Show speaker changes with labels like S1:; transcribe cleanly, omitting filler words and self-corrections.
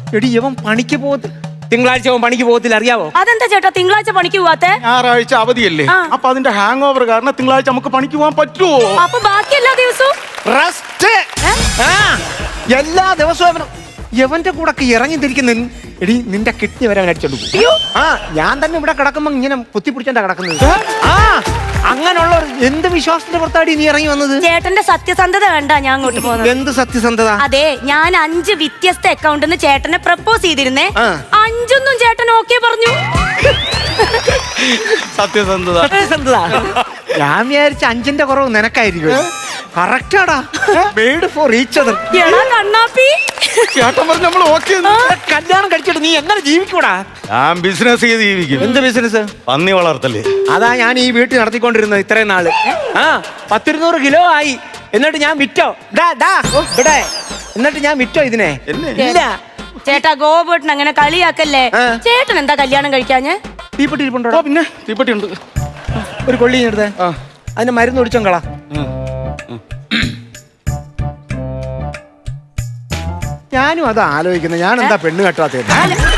S1: എടി ഇവൻ പണിക്ക് പോകത്തില്ല, തിങ്കളാഴ്ച അവൻ പണിക്ക് പോകത്തില്ല, അറിയാവോ?
S2: അതെന്താ ചേട്ടാ തിങ്കളാഴ്ച പണിക്ക് പോവാത്തെ?
S3: ഞായറാഴ്ച അവധിയല്ലേ, അപ്പൊ അതിന്റെ ഹാങ് ഓവർ കാരണം തിങ്കളാഴ്ച നമുക്ക് പണിക്ക് പോകാൻ പറ്റുമോ?
S2: അപ്പൊ ബാക്കി എല്ലാ ദിവസവും
S1: റെസ്റ്റ്. എല്ലാ ദിവസവും യവന്റെ കൂടെ ഇറങ്ങി തിരിക്കുന്ന എടി നിന്റെ കിഡ്നി വരെ അവൻ അടിച്ചോണ്ട് പോകും. ഞാൻ തന്നെ ഇവിടെ കിടക്കുമ്പോ ഇങ്ങനെ കുത്തിപ്പിടിച്ചാ കിടക്കുന്നത്. അങ്ങനെയുള്ള എന്ത് വിശ്വാസത്തിന്റെ പുറത്താടി നീ ഇറങ്ങി വന്നത്?
S2: ചേട്ടന്റെ സത്യസന്ധത വേണ്ട ഞാൻ അങ്ങോട്ട് പോകുന്നത്.
S1: എന്ത് സത്യസന്ധത?
S2: അതെ, ഞാൻ 5 വ്യത്യസ്ത അക്കൗണ്ടിന്ന് ചേട്ടനെ പ്രപ്പോസ് ചെയ്തിരുന്നേ. 5 ചേട്ടൻ ഓക്കെ പറഞ്ഞു.
S3: സത്യസന്ധത.
S1: സത്യസന്ധത. ഞാൻ വിചാരിച്ച 5ന്റെ കുറവ് നിനക്കായിരിക്കും. കറക്റ്റാടാ, മെയ്ഡ് ഫോർ ഈച്ച് അതർ.
S2: എടാ കണ്ണാപ്പി,
S3: ചേട്ടൻ പറഞ്ഞ നമ്മൾ ഓക്കെ.
S1: കല്യാണം കഴിച്ചിട്ട് നീ എങ്ങനെ ജീവിക്കൂടാ?
S3: ഞാൻ ബിസിനസ് ചെയ്ത് ജീവിക്കും.
S1: എന്ത് ബിസിനസ്?
S3: പന്നി വളർത്തല്.
S1: അതാ ഞാൻ ഈ വീട്ടിൽ നടത്തിക്കൊണ്ടിരുന്നത് ഇത്രയും നാള്. 100-200 കിലോ ആയി. എന്നിട്ട് ഞാൻ വിറ്റോ ഇവിടെ, എന്നിട്ട് ഞാൻ വിറ്റോ ഇതിനെ? ഇല്ല.
S2: ചേട്ടാ ഗോപേട്ടൻ അങ്ങനെ കളിയാക്കല്ലേ. ചേട്ടൻ എന്താ കല്യാണം കഴിക്കാഞ്ഞ്?
S1: തീപ്പെട്ടി ഇരിപ്പുണ്ടോ?
S3: പിന്നെ തീപ്പെട്ടി ഉണ്ട്.
S1: ഒരു കൊള്ളി എടുത്തേ, അതിന് മരുന്ന് ഒടിച്ചോങ്കളാ. ഞാനും അത് ആലോചിക്കുന്നത്, ഞാൻ എന്താ പെണ്ണ് കെട്ടാത്തത്?